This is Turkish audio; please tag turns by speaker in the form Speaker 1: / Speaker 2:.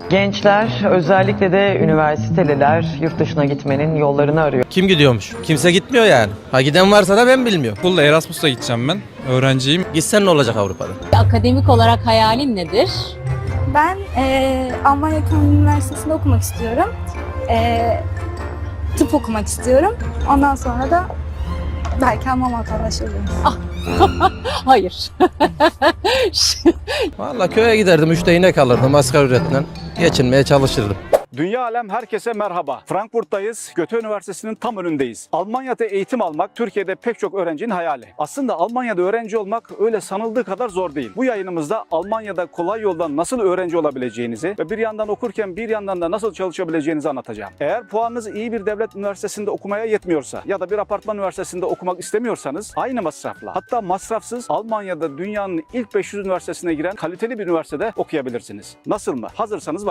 Speaker 1: Gençler, özellikle de üniversiteliler yurt dışına gitmenin yollarını arıyor.
Speaker 2: Kim gidiyormuş? Kimse gitmiyor yani. Ha giden varsa da ben bilmiyorum.
Speaker 3: Okulda Erasmus'a gideceğim ben. Öğrenciyim.
Speaker 2: Gitsen ne olacak Avrupa'da?
Speaker 4: Akademik olarak hayalin nedir?
Speaker 5: Ben Almanya Ekonomi Üniversitesi'nde okumak istiyorum. Tıp okumak istiyorum. Ondan sonra da belki Alman vatandaşı olurum.
Speaker 4: Hayır.
Speaker 2: Vallahi köye giderdim, 3'te inek alırdım asgari ücretle. Geçinmeye çalışırdım.
Speaker 6: Dünya alem herkese merhaba. Frankfurt'tayız. Goethe Üniversitesi'nin tam önündeyiz. Almanya'da eğitim almak Türkiye'de pek çok öğrencinin hayali. Aslında Almanya'da öğrenci olmak öyle sanıldığı kadar zor değil. Bu yayınımızda Almanya'da kolay yoldan nasıl öğrenci olabileceğinizi ve bir yandan okurken bir yandan da nasıl çalışabileceğinizi anlatacağım. Eğer puanınız iyi bir devlet üniversitesinde okumaya yetmiyorsa ya da bir apartman üniversitesinde okumak istemiyorsanız aynı masrafla, hatta masrafsız Almanya'da dünyanın ilk 500 üniversitesine giren kaliteli bir üniversitede okuyabilirsiniz. Nasıl mı? Hazırsanız